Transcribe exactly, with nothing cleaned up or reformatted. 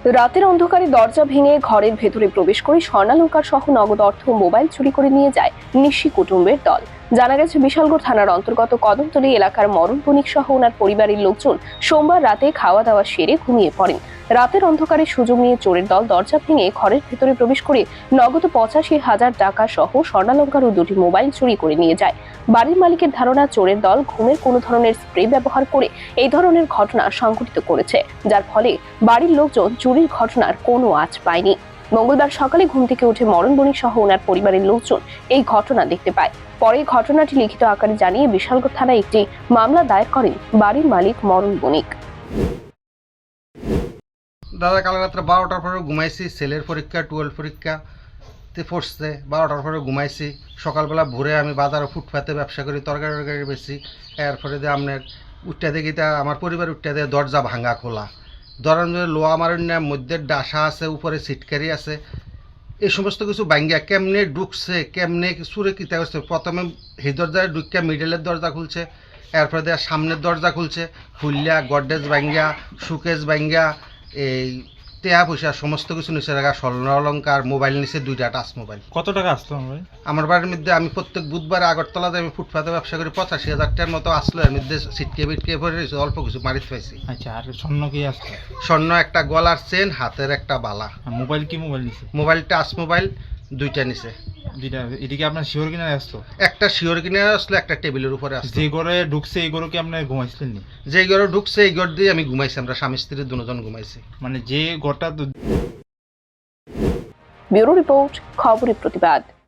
রাতের অন্ধকারে দরজা ভেঙে ঘরের ভেতরে প্রবেশ করে স্বর্ণালংকার সহ নগদ অর্থ ও মোবাইল চুরি করে নিয়ে যায় নিশি কুটুম্বের দল। জানা গেছে, বিশালগড় থানার অন্তর্গত কদমতলী এলাকার মরণ বণিক সহ ওনার পরিবারের লোকজন সোমবার রাতে খাওয়া দাওয়া সেরে ঘুমিয়ে পড়েন। রাতের অন্ধকারে সুযোগ নিয়ে চোরের দল দরজা ভেঙে ঘরের ভেতরে প্রবেশ করে নগদ পঁচাশি হাজার টাকা সহ স্বর্ণালংকার ও দুটি মোবাইল চুরি করে নিয়ে যায়। বাড়ির মালিকের ধারণা, চোরের দল ঘুমের কোনো ধরনের স্প্রে ব্যবহার করে এই ধরনের ঘটনা সংঘটিত করেছে, যার ফলে বাড়ির লোকজন চুরির ঘটনার কোনো আঁচ পায়নি। মঙ্গলবার সকালে ঘুম থেকে উঠে মরণ বণিক সহ ওনার পরিবারের লোকজন এই ঘটনা দেখতে পায়। পরে ঘটনাটি লিখিত আকারে জানিয়ে বিশালগড় থানায় একটি মামলা দায়ের করেন বাড়ির মালিক মরণ বণিক। দাদা কাল রাত্রে বারোটার পরে ঘুমাইছি, ছেলের পরীক্ষা টুয়েলভ পরীক্ষাতে পড়ছে। বারোটার পরে ঘুমাইছি, সকালবেলা ভোরে আমি বাজারে ফুটপাতে ব্যবসা করি, তরকারি টরকারি বেশি। এরপরে দিয়ে আপনার উঠতে দেখি তা আমার পরিবার উঠতে দিয়ে দরজা ভাঙা খোলা, দরজার মধ্যে লোহা মারণ্যা, মধ্যে ডাসা আছে, উপরে সিটকারি আছে। এই সমস্ত কিছু ভাঙ্গিয়া কেমনে ঢুকছে, কেমনে সুরে কিতা করছে। প্রথমে এই দরজায় ঢুকিয়া মিডলের দরজা খুলছে, এরপরে দেওয়া সামনের দরজা খুলছে, খুললিয়া গডরেজ ভাঙ্গিয়া, সুকেজ ভাঙ্গিয়া, এই টেয়া পয়সা সমস্ত কিছু নিচে রাখা, স্বর্ণ অলঙ্কার, মোবাইল নিচে দুইটা টাচ মোবাইল। কত টাকা আসতো ভাই? আমার বাড়ির মধ্যে আমি প্রত্যেক বুধবার আগরতলাতে আমি ফুটপাতে ব্যবসা করি, পঁচাশি হাজার টাকার মতো আসলো। এর মধ্যে সিটকে বিটকে ভরে রয়েছে, অল্প কিছু মারিত পাইছি। আচ্ছা, আর স্বর্ণ কি আসতো? স্বর্ণ একটা গলার চেন, হাতের একটা বালা। আর মোবাইল কি মোবাইল নিছে? মোবাইল টাচ মোবাইল দুইটা নিচে। দুইটা? এদিকে আপনার শিওর কিনা আসতো? একটা শিওর কিনে আসলো, একটা টেবিলের উপরে আসলো। যে ঘরে ঢুকছে এই ঘরে কি আপনি ঘুমাইছিলেন নি? যে ঘরে ঢুকছে এই ঘর দিয়ে আমি ঘুমাইছি, আমরা স্বামী স্ত্রী দুজন ঘুমাইছি। মানে যে ঘরটা ব্যুরো রিপোর্ট, খবরের প্রতিবাদ।